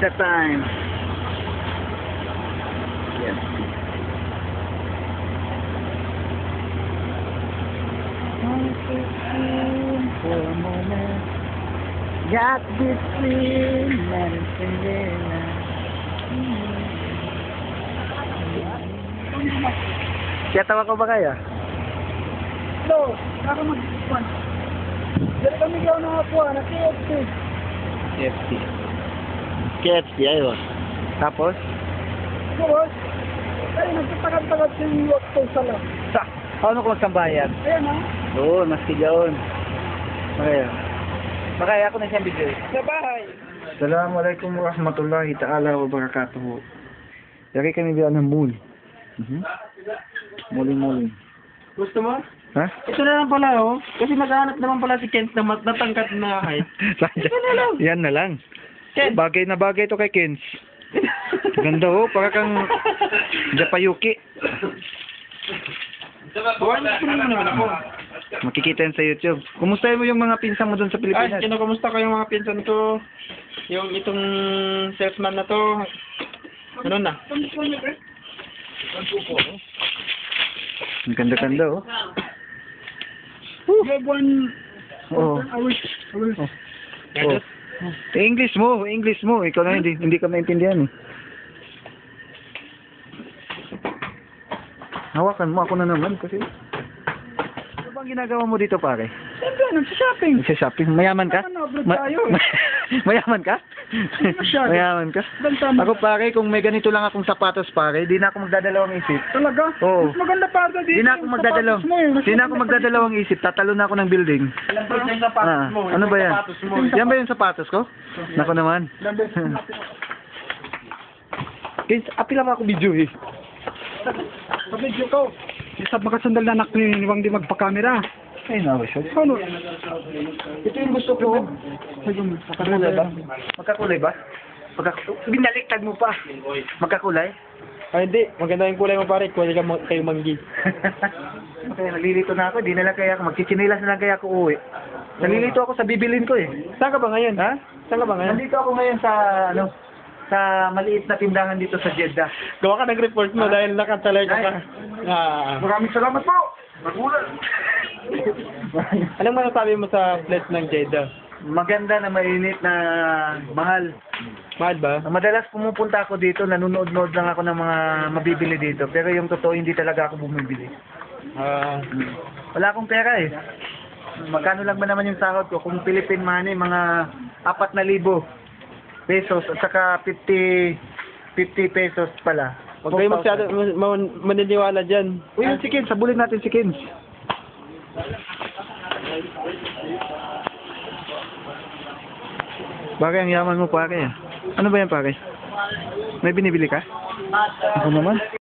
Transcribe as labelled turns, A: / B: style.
A: pizza time. Yes. For a moment, got this feeling and it's feeling. Kaya tawa ko ba kaya?
B: Hello, ako mag-ispan. Dito kami gaw na ako, na KFC.
A: KFC. KFC, ayun. Tapos?
B: Ito, boss. Ay, nagtatagad-tagad sa yung wakto sa lang.
A: Sa, paano ko magsambayan?
B: Ayan, ha?
A: Oo, mas tigaon. Okay. Makaya ako na siyang video.
B: Sa bahay.
A: Assalamualaikum warahmatullahi ta'ala wabarakatuh. Lagi kami bilang ng moon. Muling-muling.
B: Gusto mo?
A: Ha?
B: Ito na lang pala, oh. Kasi naghahanap naman pala si Kent na natangkat na height. Ito na lang.
A: Yan na lang.
B: Kent.
A: Bagay na bagay to kay Kens. Ganda oh, para kang Japayuki.
B: Buwan na naman ako.
A: Makikita yan sa YouTube. Kumusta mo yung mga pinsan mo doon sa
B: Ay,
A: Pilipinas?
B: kinukumusta ko yung mga pinsan ko. Yung itong salesman na to. Ano na?
A: Ang ganda-ganda oh. Oo. Oh. English mo. Ikaw na hindi ka maintindihan eh. Hawakan mo ako na naman kasi. Ano bang ginagawa mo dito pare?
B: Siyempre, nagsishopping.
A: Nagsa-shopping. Mayaman ka?
B: Ano, abroad tayo.
A: Mayaman ka?
B: Masyado.
A: Mayaman ka?
B: Banta mo.
A: Ako pare, kung may ganito lang akong sapatos pare, di na ako magdadalawang isip.
B: Talaga?
A: Oo.
B: Mas maganda pa dito.
A: Di na ako magdadalawang. Di na ako magdadalawang isip. Tatalo na ako ng building.
B: Alam ko yung sapatos mo.
A: Ano ba yan?
B: Sapatos mo.
A: Yan ba yung sapatos ko? Nako naman. Guys, apila mo ako video eh.
B: Sa video ko. Isa makasandal na anak ni Wang di magpa-camera.
A: Ay, nawa siya.
B: Ano? Ito yung gusto ko.
A: Magkakulay ba? Magkakulay ba? Binaliktad mo pa. Magkakulay?
B: Ay, hindi. Maganda yung kulay mo pare. Kulay ka kayo manggi.
A: Okay, nalilito na ako. Di na lang kaya ako. Magchichinilas na lang kaya ako uwi. Nalilito ako sa bibilin ko eh.
B: Saan ka ba ngayon?
A: Ha?
B: Saan ka ba ngayon?
A: Nandito ako ngayon sa, sa maliit na tindahan dito sa Jeddah.
B: Gawa ka ng report mo dahil nakatalay ka pa.
A: Maraming salamat po! Magulat!
B: Anong masasabi mo sa place ng Jeddah?
A: Maganda na mainit na mahal.
B: Mahal ba?
A: Madalas pumupunta ako dito, nanonood-nood lang ako ng mga mabibili dito. Pero yung totoo, hindi talaga ako bumibili. Wala akong pera eh. Magkano lang ba naman yung sahod ko? Kung Philippine money, mga 4,000 pesos at saka 50 pesos pala.
B: Huwag kayo masyado maniniwala dyan.
A: Uy, yung si Kins, sabulin natin si Kins. Pare, ang yaman mo pare. Ano ba yan pare? May binibili ka? Ako naman.